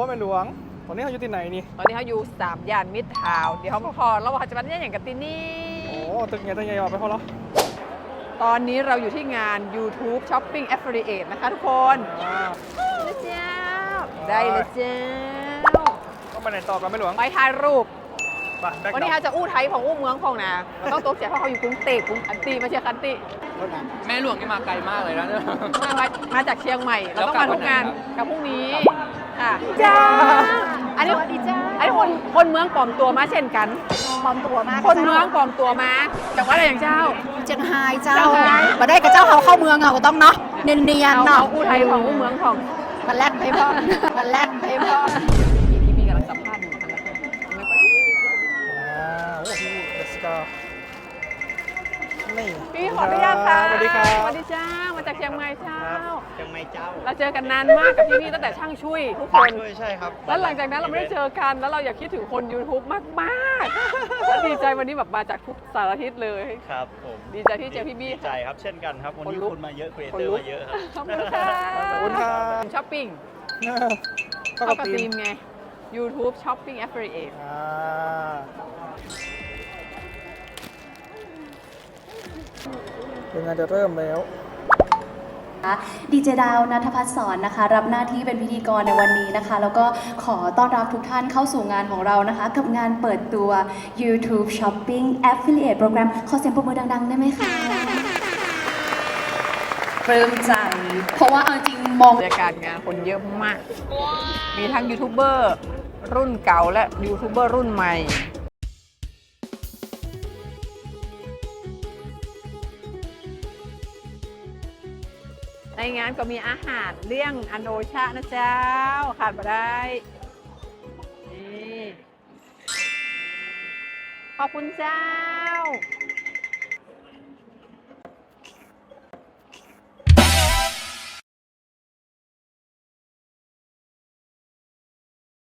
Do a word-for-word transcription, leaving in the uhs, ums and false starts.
แม่หลวงตอนนี้เขาอยู่ที่ไหนนี่ตอนนี้เขาอยู่สามย่านมิตรทาวน์เดี๋ยวเขาพอเราว่าจะมาเนี่ยอย่างกับที่นี่โอ้ตึกไงตึกไงเอาไปพอแล้วตอนนี้เราอยู่ที่งาน YouTube Shopping Affiliate นะคะทุกคนอ่าเลยเจ้าได้เลยเจ้าก็ไปไหนต่อกันแม่หลวงไปถ่ายรูปไปแบ็ควันนี้เขาจะอู้ไทยของอู้เมืองของนะเราต้องตัวเสียเพราะเขาอยู่กรุงเทพกรุงคันติไม่ใช่คันติแม่หลวงนี่มาไกลมากเลยนะเนี่ยมามามาจากเชียงใหม่ เราต้องมาทุกงานกับพรุ่งนี้ค่ะจ้าอันนี้สวัสดีจ้าอันนี้คนคนเมืองปลอมตัวมาเช่นกันปลอมตัวมากคนเมืองปลอมตัวมาจากว่าอะไรอย่างเจ้าเจียงไฮ้เจ้าเจียงไฮ้มาได้กับเจ้าเขาเข้าเมืองเอาก็ต้องเนาะเนียนเนียนเอาๆเนาะเอาอู้ไทยของอู้เมืองของมันแลดไปพ่อมันแลดไปพ่อพี่พี่มีกำลังสัมภาษณ์อยู่นะคะไม่ค่อยอ่าโอ้โหเดสกานี่พี่ขออนุญาตค่ะสวัสดีครับสวัสดีเจ้ามาจากเชียงใหม่เจ้าเชียงใหม่เจ้าเราเจอกันนานมากกับพี่นี่ตั้งแต่ช่างช่วยทุกคนช่วยใช่ครับแล้วหลังจากนั้นเราไม่ได้เจอกัน แล้วเราอยากคิดถึงคน YouTube มากๆแล้วดีใจวันนี้แบบมาจากทุกสารทิศเลยครับผมดีใจที่เจอพี่บี้ดีใจครับ เช่นกันครับ วันนี้คนลุกคุณมาเยอะครีเอคนเตอลุร์กมาเยอะครับขอบคุณค่ะขอบคุณครับช้อปปิ้งเข้าเข้ากักับบ ทีทีมมไง YouTube Shopping Affiliate อ่าเดี๋ยวงานจะเริ่มแล้วดีเจดาวนัทพัฒน์สอนนะคะ รับหน้าที่เป็นพิธีกรในวันนี้นะคะ แล้วก็ขอต้อนรับทุกท่านเข้าสู่งานของเรานะคะ กับงานเปิดตัว YouTube Shopping Affiliate Program ขอเสียงปรบมือดังๆ ได้ไหมคะปลื้มใจ เพราะว่าเอาจริงมองบรรยากาศงานคนเยอะมาก มีทั้งยูทูบเบอร์รุ่นเก่าและยูทูบเบอร์รุ่นใหม่ ในงานก็มีอาหารเลี่ยงอันโดชะนะเจ้า ขาดมาได้ นี่ ขอบคุณเจ้า